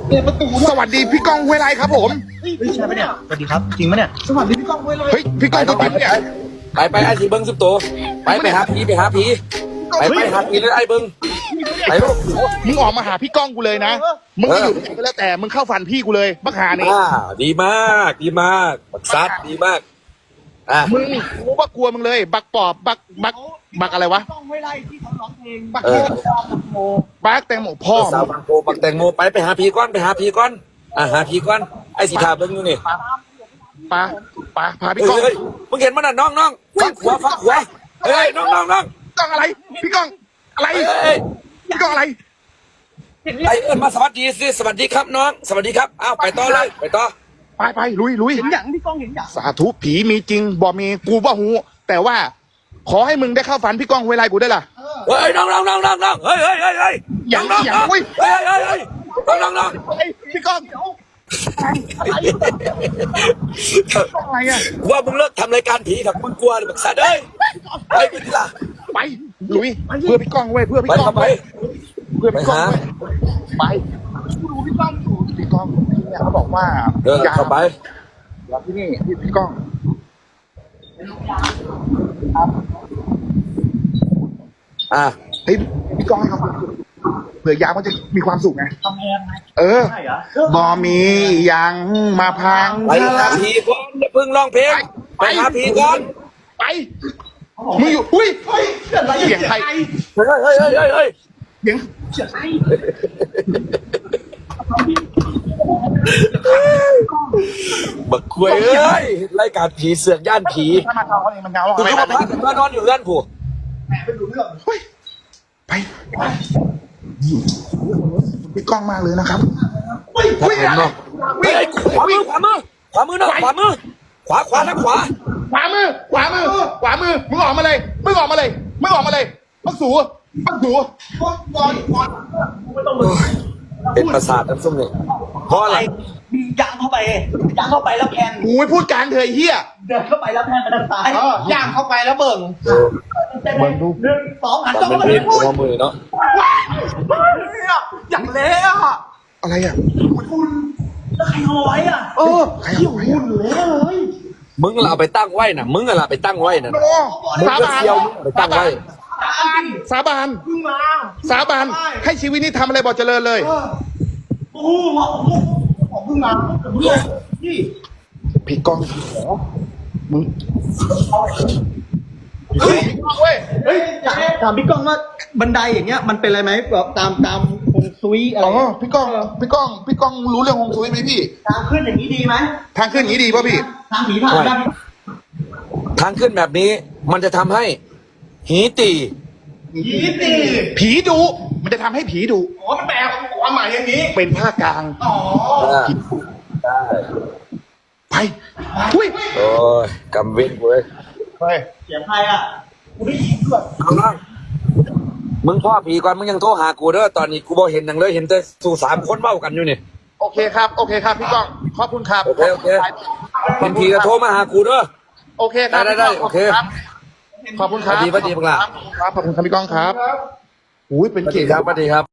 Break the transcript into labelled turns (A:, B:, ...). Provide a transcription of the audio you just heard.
A: เปิดประตู
B: สวัสดีพี่ก้องห้วยไร่ครับผม
A: ใช่ไหมเนี่ยสวัสดีครับจริงไหมเนี่ยสวัสดีพี่ก้องห้วยไร่
B: เฮ้ยพี่ก้องตัวจริงเนี่ย
C: ไปไอ้ทีเบิ้งสิบตัวไปหาผีไปหาผีเลยไอ้เบิ้งไปลูก
B: มึงออกมาหาพี่ก้องกูเลยนะมึงไม่อยู่ที่ไหนก็แล้วแต่มึงเข้าฝันพี่กูเลยบักหานี่
C: ดีมากบักซัดดีมาก
B: มึงรู้ว่ากลัวมึงเลยบักปอบบักอะไรวะ
A: พี่ก้องห้วยไร่ที่เขาร้องเพลง
B: บักแตงโมพ่อ
C: สาวบางโพบักแตงโมไปหาผีก่อนหาผีก่อนไอ้สีทาเบิ้งอยู่นี่
B: ปาพาพี่ก้อง
C: มึงเห็นมันน่ะน้องฟังขวาเฮ้ยน้อง
B: ก้องอะไรพี่ก้องอะไรพี่ก้องอะไร
C: ไอ้เอิญมาสวัสดีสิสวัสดีครับน้องสวัสดีครับอ้าวไปต่อเลยไปต่อ
B: ไปลุย
A: เห็นอย่างพี่ก้องเห็นอย่าง
B: สาธุผีมีจริงบ่มีกูบ่หูแต่ว่าขอให้มึงได้เข้าฝันพี่ก้องห้วยไร่กูได้ล่ะ
C: เฮ้ยน้องเฮ้ย
B: อย่าง
C: น้อง
B: เฮ้ย
C: น้อง
B: พี่ก้องอะไรอ่ะ
C: ว่ามึงเลิกทำรายการผีกับมึงกลัวหรือบักซัดเอ้ยไปกูทีละ
B: ไปลุยเพื่อพี่ก้องเว้ยเพื่อพี่
C: ไป
B: ก้อง
C: ไป
B: เว้ยเพื่อพี่ก้อง
C: ไปหา
B: ไปดูพี่ก้องเนี่ยเขาบอกว่า
C: เข้าไป
B: แล้วที่นี่พี่ก้องเฮ้ยพี่ก้องครับเผื่อยามมันจะมีความสุขไง
A: ทำแพงไหม
B: ใช่เหรอบอมียังมาพัง
C: ไปหาผีก่อนอย่าเพิ่งร้องเพลงไปหาผีก่อน
B: ไปมึงอยู่อุ้ยเสียงใคร
C: เฮ้ย
B: เสียง
C: บักคุยเอ้ยรายการผีเสือกย่านผี
B: ถ้ามาทำเขาเองมันเงา
C: กูเข้ามาพักมานอนอยู่เรือนผู้
B: ไปพี่ก้องมากเลยนะครับ
C: เฮ้ยขวามือน้องขวาทางขวา
B: ขวามือมึงออกมาเลยมักสู
C: เป็นประสาทน้ำส้มเนี่ยเพราะอะไร
A: มียางเข้าไปแล้วแพน
B: กูไม่พูดการเถยเฮีย
A: เดินเข้าไปแล้วแพนไปทางซ้ายย่างเข้าไปแล้วเบิ่งดู 1 2หัน
C: มัน
A: จ้อง
C: เป็น
A: มา
C: เพ
A: เล
C: ล
A: ย
C: งหัวมือเนาะ
A: อย่างเละอ่ะ
B: อะไรอ่ะ
A: คุณแล้วใครเอาไว้อ่ะ
B: ใครเอาไว้
A: คุณเละเลย
C: มึงเราไปตั้งไว้น่ะมึงอะไรไปตั้งไว้น่ะมึง
B: สา
C: ก็
B: บาน
C: เที่ยวไปตั้งไว้
B: สาบาน
A: เพิ่งมา
B: สาบานให้ชีวิตนี้ทำอะไรบอกเจริญเลย
A: โอ้โหผมเพิ่งมานี่
B: พี่ก้องมึงเฮ้ยเว้ย
A: เฮ้ยถามพี่ก้องว่าบันไดอย่างเงี้ยมันเป็นอะไรไหมแบบตามฮวงซุยอะไร
B: พี่ก้องรู้เรื่องฮวงซุยไหมพี่
A: ทางขึ้นอย่างนี้ดีไหม
B: ทางขึ้นอย่างนี้ดีป่ะพี่
A: ทางผีผ่านได้
C: ทางขึ้นแบบนี้มันจะทำให้หีตี
B: ผีดุมันจะทำให้ผีดุ
A: อ๋อมันแปลความหมายอย่างนี้
B: เป็นภาคกลาง
A: อ๋อ
C: ได้
B: ไปอุ้ย
C: โอ้ยกำเว้นเว้ย
B: ไป
A: เสียงใครอ่ะกูได้ยินด้วย
C: น้องมึงพ่อผีก่อนมึงยังโทรหากูเด้อตอนนี้กูบอกเห็นหนังเลยเห็นแต่สู่3 คนเบ้ากันอยู่นี่
B: โอเคครับพี่ก้องขอบคุณครับ
C: โอเคเห็นผีก็โทรมาหากูเด้อ
B: โอเคครับ
C: ได้โอเค
B: ขอบคุณครับ
C: สวัสดีบังลา
B: ครับขอบคุณครับพี่ก้องครับอุ้ยเป็น
C: สวัส
B: เกี
C: ดี
B: ยรติ
C: ครับสวัสดีครับ